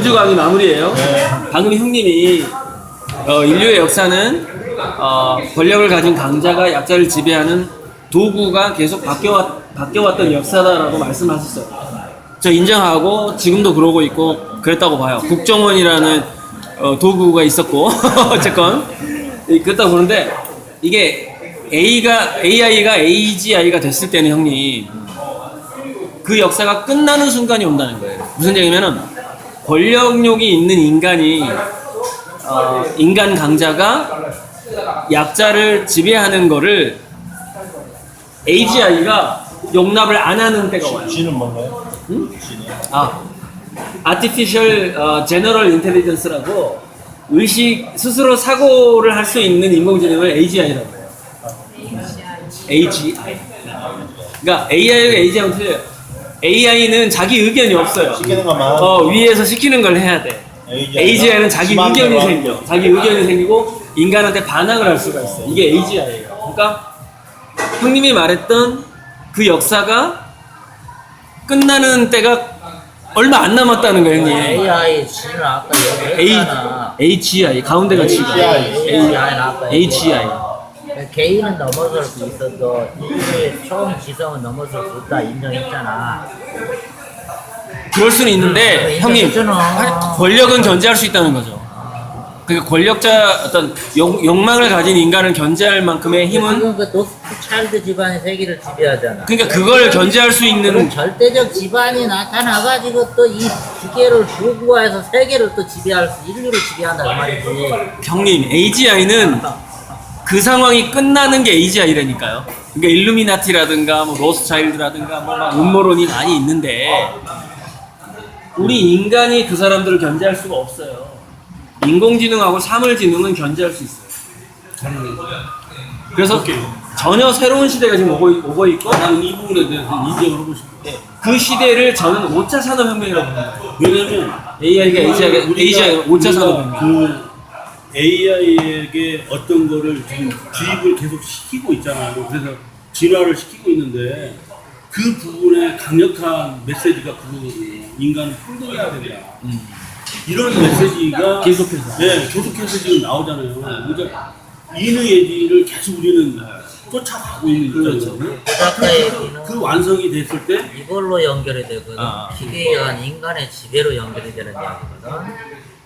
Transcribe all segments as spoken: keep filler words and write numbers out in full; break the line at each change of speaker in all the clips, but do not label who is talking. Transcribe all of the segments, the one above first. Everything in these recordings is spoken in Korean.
주 강의 마무리예요. 네. 방금 형님이 어, 인류의 역사는 어, 권력을 가진 강자가 약자를 지배하는 도구가 계속 바뀌어, 바뀌어왔던 역사다라고 말씀하셨어요. 저 인정하고 지금도 그러고 있고 그랬다고 봐요. 국정원이라는 어, 도구가 있었고 어쨌건 그랬다고 보는데 이게 A가 에이아이가 에이지아이가 됐을 때는 형님 그 역사가 끝나는 순간이 온다는 거예요. 무슨 얘기냐면은 권력욕이 있는 인간이 어, 인간 강자가 약자를 지배하는 거를 에이지아이가 용납을 안 하는 때가 와요.
G는 뭔가요?
응? 아, Artificial uh, General Intelligence라고 의식 스스로 사고를 할 수 있는 인공지능을 에이지아이라고 해요. 에이지아이. 그러니까 에이아이가 에이지아이는 틀려요. 에이아이는 자기 의견이 없어요.
시키는 것만.
어, 위에서 시키는 걸 해야 돼. 에이지아이는 자기 의견이 생겨. 자기 의견이 생기고 인간한테 반항을 할 수가 있어요. 이게 에이지아이예요. 그러니까 형님이 말했던 그 역사가 끝나는 때가 얼마 안 남았다는 거예요, 형님.
에이아이 G는 아까 얘기했잖아.
에이지아이 가운데가 G가
에이아이는 아까
에이지아이.
개인은 넘어설 수 있어도 인류의 처음 지성은 넘어설 수 없다 인정했잖아.
그럴 수는 있는데 형님 권력은 견제할 수 있다는 거죠. 그러니까 권력자 어떤 욕, 욕망을 가진 인간을 견제할 만큼의 힘은
지금 그 노스트 차일드 집안이 세계를 지배하잖아.
그러니까 그걸 견제할 수 있는
그런 절대적 집안이 나타나가지고 또 이 기계를 도구화해서 세계를 또 지배할 수 인류를 지배한다 그 말이지.
형님 에이지아이는 그 상황이 끝나는 게 에이지아이라니까요. 그러니까 일루미나티라든가 뭐 로스차일드라든가 뭐 막 음모론이 많이 있는데 우리 인간이 그 사람들을 견제할 수가 없어요. 인공지능하고 사물지능은 견제할 수 있어요. 그래서 전혀 새로운 시대가 지금 오고, 오고 있고
나는 이 부분에 대해서 인정을 하고 싶어요.
그 시대를 저는 오 차 산업혁명이라고 봅니다.
왜냐면
에이아이가 에이지아이가 에이지아이가 오 차 산업혁명.
그 에이아이에게 어떤 거를 지금 주입을 계속 시키고 있잖아요. 그래서 진화를 시키고 있는데 그 부분에 강력한 메시지가 그거거든요. 인간은 평등해야 된다. 음. 이런 메시지가
계속해서.
네, 계속해서 지금 나오잖아요. 그러니까 인의예지를 계속 우리는 쫓아가고 있는 거잖아요.
아까 얘기는
그 완성이 됐을 때
이걸로 연결이 되거든.
아.
기계에 의한 인간의 지배로 연결이 되는 이야기거든.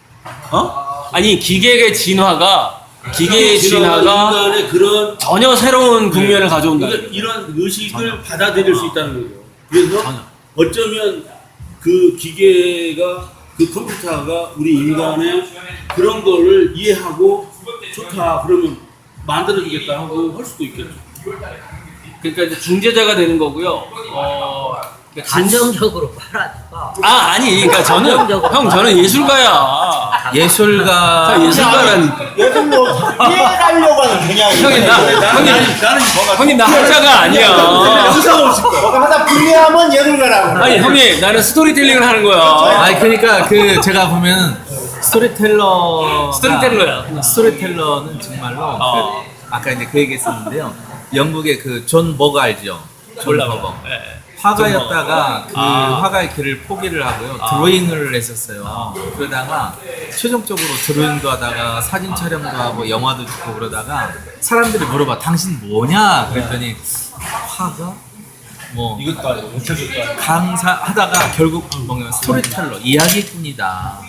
어? 아니 기계의 진화가 기계의 진화가
인간의 그런
전혀 새로운 국면을 가져온다.
그러니까 이런 의식을 받아들일 수 있다는 거예요. 그래서
전혀.
어쩌면 그 기계가 그 컴퓨터가 우리 인간의 그런 거를 이해하고 좋다 그러면 만들어주겠다 하고 할 수도 있겠죠.
그러니까 이제 중재자가 되는 거고요. 어, 그러니까
감정적으로 말하지 마.
아 아니 그러니까 저는 형 저는 예술가야.
예술가
저 예술가라니까.
예술로 이해하려고 하는 그냥
형님 나 형님 형님 나 학자가 아니야.
뭐가 하다 불리하면 예술가라고.
아니 형님 나는 스토리텔링을 하는 거야.
아니 그러니까 그 제가 보면 스토리텔러
스토리텔러야.
스토리텔러는 정말로
어.
그 아까 이제 그 얘기했었는데요. 영국의 그 존 버거 알죠? 존
몰라
버거.
예.
화가였다가 그
아.
화가의 길을 포기를 하고요.
아.
드로잉을 했었어요. 그러다가 최종적으로 드로잉도 하다가 사진 촬영도 하고 영화도 찍고 그러다가 사람들이 물어봐 당신 뭐냐 그랬더니 화가 뭐
이것도 아니고 못해줄 거 아니고.
강사 하다가 결국 뭔가 스토리텔러 이야기꾼이다.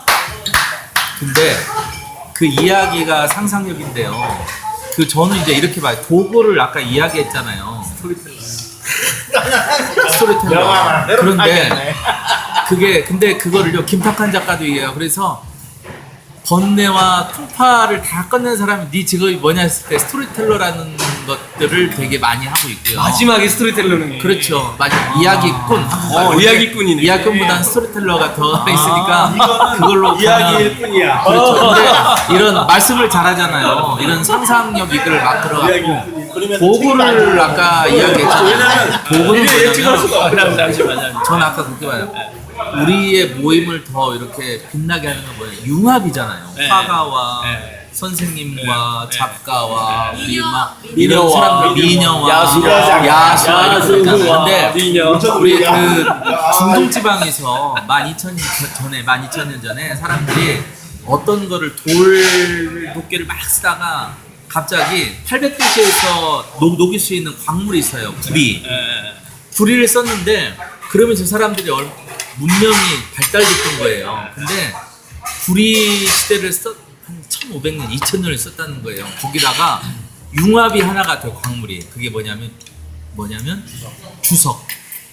근데 그 이야기가 상상력인데요. 그 저는 이제 이렇게 봐요. 도구를 아까 이야기했잖아요. 스토리텔러. 스토리텔러.
영화만
그런데 그게 근데 그거를요 김탁한 작가도 얘기해요. 그래서 번뇌와 풍파를 다 끝낸 사람이 네 직업이 뭐냐 했을 때 스토리텔러라는 것들을 되게 많이 하고 있고요.
마지막에 스토리텔러는
그렇죠. 마지막 이야기꾼.
어, 이야기꾼이네.
이야기꾼보다는 스토리텔러가 더 있으니까 그걸로
이야기일 뿐이야.
그렇죠. 근데 이런 말씀을 잘하잖아요. 이런 상상력 이걸 막 들어가고 도구를 아까 이야기했잖아요. 도구는
예측할 수가
뭐냐면
없어.
잠시만요.
전 아까 그렇게 봐요. 우리의 모임을 더 이렇게 빛나게 하는 건 뭐예요? 융합이잖아요.
네.
화가와
네.
선생님과
네.
작가와 우리 막
미녀와,
이런 사람들 미녀와
야수와,
야수와 이렇게
야수와,
있잖아요. 근데
미녀.
우리 그 중동 지방에서 만 이천 년 전에 만 이천 년 전에 사람들이 어떤 거를 돌 도끼를 막 쓰다가 갑자기 팔백 도시에서 녹, 녹일 수 있는 광물이 있어요. 구리. 구리를 썼는데 그러면 저 사람들이 얼, 문명이 발달됐던 거예요. 근데 구리 시대를 썼, 한 천오백 년, 이천 년을 썼다는 거예요. 거기다가 융합이 하나가 돼요. 광물이. 그게 뭐냐면 뭐냐면 주석.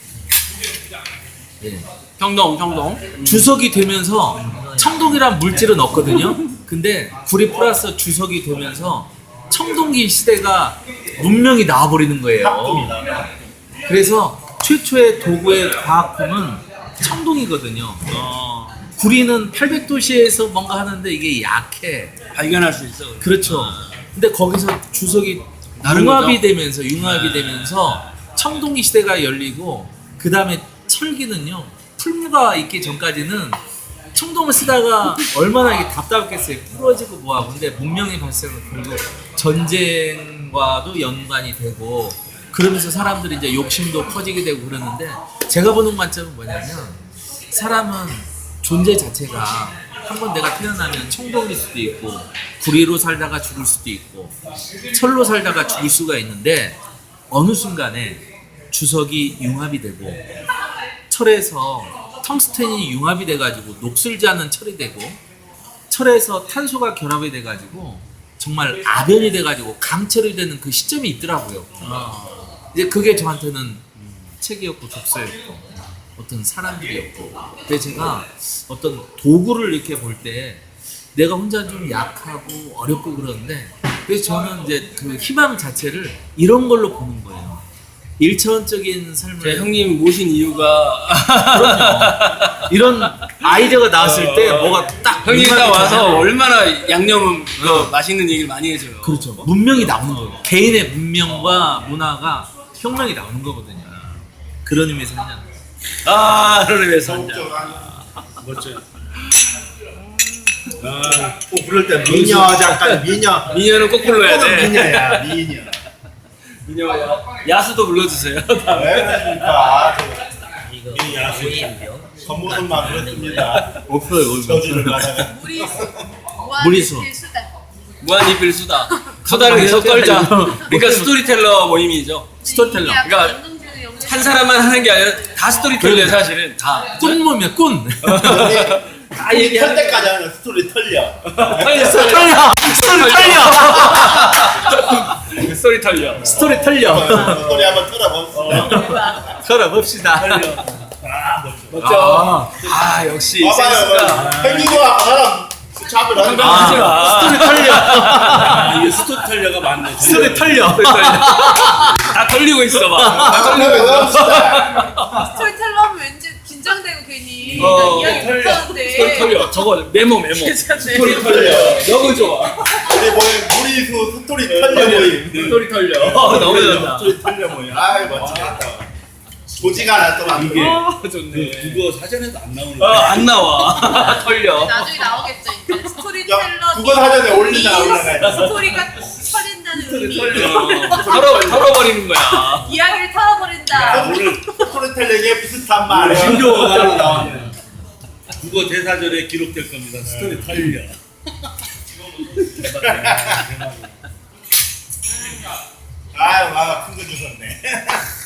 예.
평동 평동.
주석이 되면서 청동이란 물질은 없거든요. 근데 구리 플러스 주석이 되면서 청동기 시대가 문명이 나와버리는 거예요. 그래서 최초의 도구의 과학품은 청동이거든요.
어,
구리는 팔백 도시에서 뭔가 하는데 이게 약해.
발견할 수 있어.
그렇죠. 근데 거기서 주석이
다른
융합이
거죠?
되면서 융합이
네.
되면서 청동기 시대가 열리고 그 다음에 철기는요 풀무가 있기 전까지는 청동을 쓰다가 얼마나 이게 답답했겠어요. 부러지고 뭐하고. 근데 문명의 발생은 결국 전쟁과도 연관이 되고 그러면서 사람들이 이제 욕심도 커지게 되고 그러는데 제가 보는 관점은 뭐냐면 사람은 존재 자체가 한번 내가 태어나면 청동일 수도 있고 구리로 살다가 죽을 수도 있고 철로 살다가 죽을 수가 있는데 어느 순간에 주석이 융합이 되고 철에서 텅스텐이 융합이 돼가지고 녹슬지 않는 철이 되고 철에서 탄소가 결합이 돼가지고 정말 아변이 돼가지고 강철이 되는 그 시점이 있더라고요. 이제 그게 저한테는 책이었고 독서였고 어떤 사람들이었고 근데 제가 어떤 도구를 이렇게 볼 때 내가 혼자 좀 약하고 어렵고 그러는데 그래서 저는 이제 그 희망 자체를 이런 걸로 보는 거예요. 일차원적인 삶을
제 형님 모신 이유가
그럼요. 이런 아이디어가 나왔을 때 뭐가 딱
형님 딱
문학이
와서
되잖아요.
얼마나 양념은 그 맛있는 얘기를 많이 해줘요.
그렇죠. 문명이 나오는 거예요. 개인의 문명과 문화가 혁명이 나오는 거거든요. 그런 의미에서 하냐.
아, 그런 의미에서 한 잔.
멋져요.
꼭 부를 때 미녀 잠깐 미녀.
미녀는 꼭 불러야
꼭은
돼.
미녀야 미녀.
미녀 야수도 불러주세요.
왜 그러십니까?
이거
이 야수.
오이인데요.
겉모습만 그렇습니다.
없어요.
저주를 받아가.
무리수.
무리수.
무한리필 수다.
무한리필 수다. 수다를 계속 떨자. 그러니까 스토리텔러 모임이죠.
스토리텔러.
그러니까 한 사람만 하는 게 아니라 다 스토리텔러예요, 사실은. 다.
꾼몸이야 꾼.
다 얘기하는
털 때까지 하는 스토리 털려.
털려.
털려. 스토리 털려.
스토리 털려.
스토리 털려.
스토리 한번 털어봅시다.
걸어봅시다.
멋져. 아, 역시 센스가.
봐봐요. 행위가 사람 잡을 하는
아, 하지 마.
스토리 털려.
아, 이게 스토텔러가 맞네.
스토리 털려.
다 털리고 있어, 막. 다 털리고 있어.
스토리텔러 하면 왠지 긴장되고 괜히
어,
나 이야기
털려.
못하는데.
스토리 털려. 저거 메모, 메모.
괜찮네.
스토리 털려. 너무 좋아.
우리 모임 무리수 스토리 털려 모임.
스토리 털려. 어, 너무 좋다.
스토리 털려 모임. 아이 멋지겠다. 조지가 하나 또 안
이게
어,
그
좋네.
국어 사전에도 안 나오는
어,
거야.
안 나와. 털려.
나중에 나오겠죠 이제
야,
스토리텔러.
국어 사전에 올리다
이
올라가야
스토리가 털린다는 의미.
털려. 털어, 털어버리는 거야.
이야기를 털어버린다.
오늘
스토리텔러에 비슷한 말.
신조어가 따로 나왔네. 국어 대사전에 기록될 겁니다. 스토리 털려.
아유, 아, 큰거 주셨네.